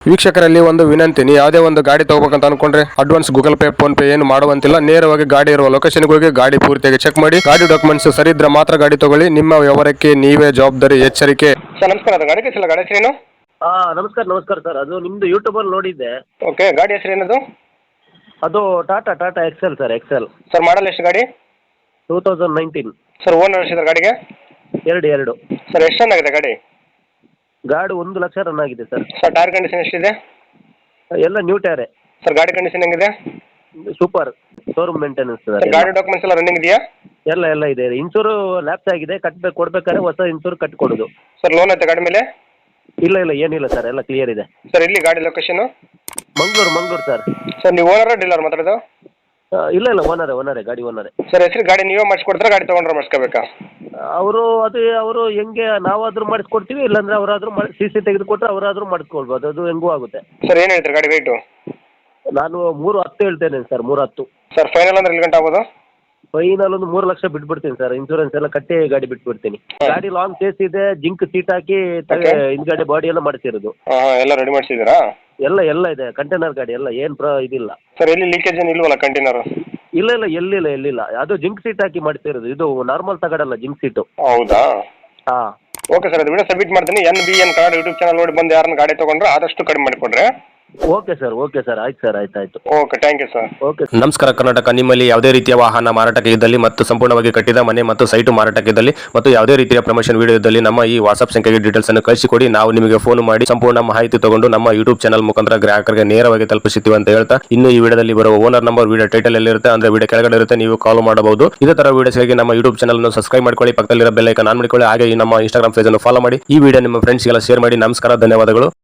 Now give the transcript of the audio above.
ವೀಕ್ಷಕರಲ್ಲಿ ಒಂದು ವಿನಂತಿ, ನೀವು ಯಾವುದೇ ಒಂದು ಗಾಡಿ ತಗೋಬೇಕಂತ ಅನ್ಕೊಂಡ್ರೆ advance Google pay PhonePe ಏನು ಮಾಡುವಂತಿಲ್ಲ. ನೇರವಾಗಿ ಗಾಡಿ ಇರುವ ಲೊಕೇಶನ್ಗೆ ಹೋಗಿ ಗಾಡಿ ಪೂರ್ತಿಯಾಗಿ ಚೆಕ್ ಮಾಡಿ, ಗಾಡಿ ಡಾಕ್ಯುಮೆಂಟ್ಸ್ ಸರಿ ಇದ್ರೆ ಮಾತ್ರ ಗಾಡಿ ತಗೊಳ್ಳಿ. ನಿಮ್ಮ ವ್ಯವಹಾರಕ್ಕೆ ನೀವೇ ಜವಾಬ್ದಾರಿ. ಎಚ್ಚರಿಕೆ. ಸರ್ ನಮಸ್ಕಾರ, ಅದು ಗಾಡಿ ಕಳಿಸಿಲ್ಲ, ಗಾಡಿ ಹೆಸರೇನು? ನಮಸ್ಕಾರ ಸರ್. ಅದು ನಿಮ್ಮದು ಯೂಟ್ಯೂಬಲ್ಲಿ ನೋಡಿದ್ದೆ. ಓಕೆ, ಗಾಡಿ ಹೆಸರು ಏನದು? ಅದು Tata excel sir, excel. Sir model ಎಷ್ಟು ಗಾಡಿ? 2019. ಸರ್ ಓನರ್ ಎಷ್ಟಿದೆ ಗಾಡಿಗೆ? ಎರಡು. ಸರ್ ಎಷ್ಟು ರನ್ ಆಗಿದೆ ಗಾಡಿ? ಗಾಡಿ 1 ಲಕ್ಷ ರನ್ ಆಗಿದೆ ಸರ್. ಸರ್ ಟೈರ್ ಕಂಡೀಷನ್ ಎಷ್ಟಿದೆ? ಎಲ್ಲ ನ್ಯೂ ಟೈರೇ. ಸರ್ ಗಾಡಿ ಕಂಡೀಷನ್ ಹೆಂಗಿದೆ? ಸೂಪರ್. Showroom maintenance sir. ಗಾಡಿ ಡಾಕ್ಯುಮೆಂಟ್ಸ್ ಎಲ್ಲ ರನ್ನಿಂಗ್ ಇದೆಯಾ? ಎಲ್ಲ ಇದೆ. ಇನ್ಶೂರು ಲ್ಯಾಪ್ಸ್ ಆಗಿದೆ, ಕೊಡ್ಬೇಕಾದ್ರೆ ಹೊಸ ಇನ್ಶೂರ್ ಕಟ್ಕೊಡೋದು. ಸರ್ ಲೋನ್ ಐತೆ ಗಾಡಿ ಮೇಲೆ? ಇಲ್ಲ ಏನಿಲ್ಲ ಸರ್, ಎಲ್ಲ ಕ್ಲಿಯರ್ ಇದೆ. ಸರ್ ಇಲ್ಲಿ ಗಾಡಿ ಲೊಕೇಶನ್? ಮಂಗಳೂರು ಸರ್. ಸರ್ ನೀವು ಓನರ್ ಡೀಲರ್ ಮಾತಾಡೋದು? ಇಲ್ಲ ಓನರೇ, ಗಾಡಿ ಓನರೇ. ಸರ್ ಹೆಸರು ಗಾಡಿ ನೀವೇ ಮಾಡಿಸ್ಕೊಡ್ತಾರೆ, ಗಾಡಿ ತೊಗೊಂಡ್ರೆ ಮಾಡಿಸ್ಕೋಬೇಕಾ? ಅವರು ಹೆಂಗೆ ನಾವಾದ್ರೂ ಮಾಡಿಸ್ಕೊಡ್ತೀವಿ, ಇಲ್ಲಾಂದ್ರೆ ಅವರಾದ್ರೂ CC ತೆಗೆದುಕೊಟ್ರೆ ಅವರಾದ್ರೂ ಮಾಡಿಸ್ಕೊಳ್ಬೋದು. ಅದು ಹೆಂಗೂ ಆಗುತ್ತೆ. ಸರ್ ಏನು ಹೇಳ್ತೀರಿ ಗಾಡಿ ರೇಟು? ನಾನು 310 ಹೇಳ್ತೇನೆ ಸರ್. 310. ಸರ್ ಫೈನಲ್ ಅಂದ್ರೆ ಎಲ್ಲಿ ಗಂಟೆ ಆಗ್ಬೋದು? ಫೈನಲ್ ಒಂದು 3 ಲಕ್ಷ ಬಿಟ್ಬಿಡ್ತೀನಿ ಸರ್. ಇನ್ಶೂರೆನ್ಸ್ ಎಲ್ಲ ಕಟ್ಟಿ ಗಾಡಿ ಬಿಟ್ಬಿಡ್ತೀನಿ. ಗಾಡಿ ಲಾಂಗ್ ಕೇಸ್ ಇದೆ, ಜಿಂಕ್ ಸೀಟ್ ಹಾಕಿ ಹಿಂದ್ಗಡೆ ಬಾಡಿ ಎಲ್ಲ ಮಾಡಿಸಿರೋದು. ಎಲ್ಲ ರೆಡಿ ಮಾಡಿಸಿದ್ದೀರಾ? ಎಲ್ಲ ಇದೆ. ಕಂಟೈನರ್ ಗಾಡಿ ಎಲ್ಲ ಏನು ಇದಿಲ್ಲ ಸರ್. ಎಲ್ಲಿ ಲೀಕೇಜ್ ಏನು ಇಲ್ವಲ್ಲ ಕಂಟೈನರ್? ಇಲ್ಲ ಎಲ್ಲಿಲ್ಲ. ಅದು ಜಿಂಕ್ ಸೀಟ್ ಹಾಕಿ ಮಾಡಿಸಿರೋದು. ಇದು ನಾರ್ಮಲ್ ತಗಡಲ್ಲ, ಜಿಂಕ್ ಸೀಟು. ಹೌದಾ? ಹಾಂ. ಓಕೆ ಸರ್, ಅದು ವಿಡಿಯೋ ಸಬ್ಮಿಟ್ ಮಾಡ್ತೀನಿ. NBN ಕಾರ್ಡ್ ಯೂಟ್ಯೂಬ್ ಚಾನಲ್ ನೋಡಿ ಬಂದು ಯಾರನ್ನ ಗಾಡಿ ತೊಗೊಂಡ್ರೆ ಆದಷ್ಟು ಕಡಿಮೆ ಮಾಡಿಕೊಡ್ರೆ. Okay sir. ಆಯ್ತು. Okay, thank you sir. Okay. ನಮಸ್ಕಾರ ಕರ್ನಾಟಕ. ನಿಮ್ಮಲ್ಲಿ ಯಾವುದೇ ರೀತಿಯ ವಾಹನ ಮಾರಾಟಕ್ಕೆ ಇದ್ದಲ್ಲಿ ಮತ್ತು ಸಂಪೂರ್ಣವಾಗಿ ಕಟ್ಟಿದ ಮನೆ ಮತ್ತು ಸೈಟು ಮಾರಾಟಕ್ಕೆ ಇದ್ದಲ್ಲಿ ಮತ್ತು ಯಾವುದೇ ರೀತಿಯ ಪ್ರಮೋಷನ್ ವಿಡಿಯೋ ಇದ್ದಲ್ಲಿ ನಮ್ಮ ಈ ವಾಟ್ಸ್ಆಪ್ ಸಂಖ್ಯೆಗೆ ಡೀಟೇಲ್ಸ್ ಅನ್ನು ಕಳಿಸಿಕೊಡಿ. ನಾವು ನಿಮಗೆ ಫೋನ್ ಮಾಡಿ ಸಂಪೂರ್ಣ ಮಾಹಿತಿ ತಗೊಂಡು ನಮ್ಮ ಯೂಟ್ಯೂಬ್ ಚಾನಲ್ ಮುಖಾಂತರ ಗ್ರಾಹಕರಿಗೆ ನೇರವಾಗಿ ತಲುಪಿಸುತ್ತೀವಿ ಅಂತ ಹೇಳ್ತಾ, ಇನ್ನು ಈ ವಿಡಿಯೋದಲ್ಲಿ ಬರುವ ಓನರ್ ನಂಬರ್ ವಿಡಿಯೋ ಟೈಟಲ್ ಎಲ್ಲಿರುತ್ತೆ ಅಂದ್ರೆ ವಿಡಿಯೋ ಕೆಳಗಡೆ ಇರುತ್ತೆ, ನೀವು ಕಾಲ್ ಮಾಡಬಹುದು. ಇದೇ ತರ ವಿಡಿಯೋಸ್ಗಾಗಿ ನಮ್ಮ ಯೂಟ್ಯೂಬ್ ಚಾನಲ್ ಅನ್ನು ಸಬ್ಸ್ಕ್ರೈಬ್ ಮಾಡ್ಕೊಳ್ಳಿ, ಪಕ್ಕದಲ್ಲಿರೋ ಬೆಲ್ ಐಕಾನ್ ಆನ್ ಮಾಡಿಕೊಳ್ಳಿ. ಹಾಗೆ ಈ ನಮ್ಮ ಇನ್ಸ್ಟಾಗ್ರಾಮ್ ಪೇಜ್ ಅನ್ನು ಫಾಲೋ ಮಾಡಿ. ಈ ವಿಡಿಯೋ ನಿಮ್ಮ ಫ್ರೆಂಡ್ಸ್ಗೆಲ್ಲ ಶೇರ್ ಮಾಡಿ. ನಮಸ್ಕಾರ, ಧನ್ಯವಾದಗಳು.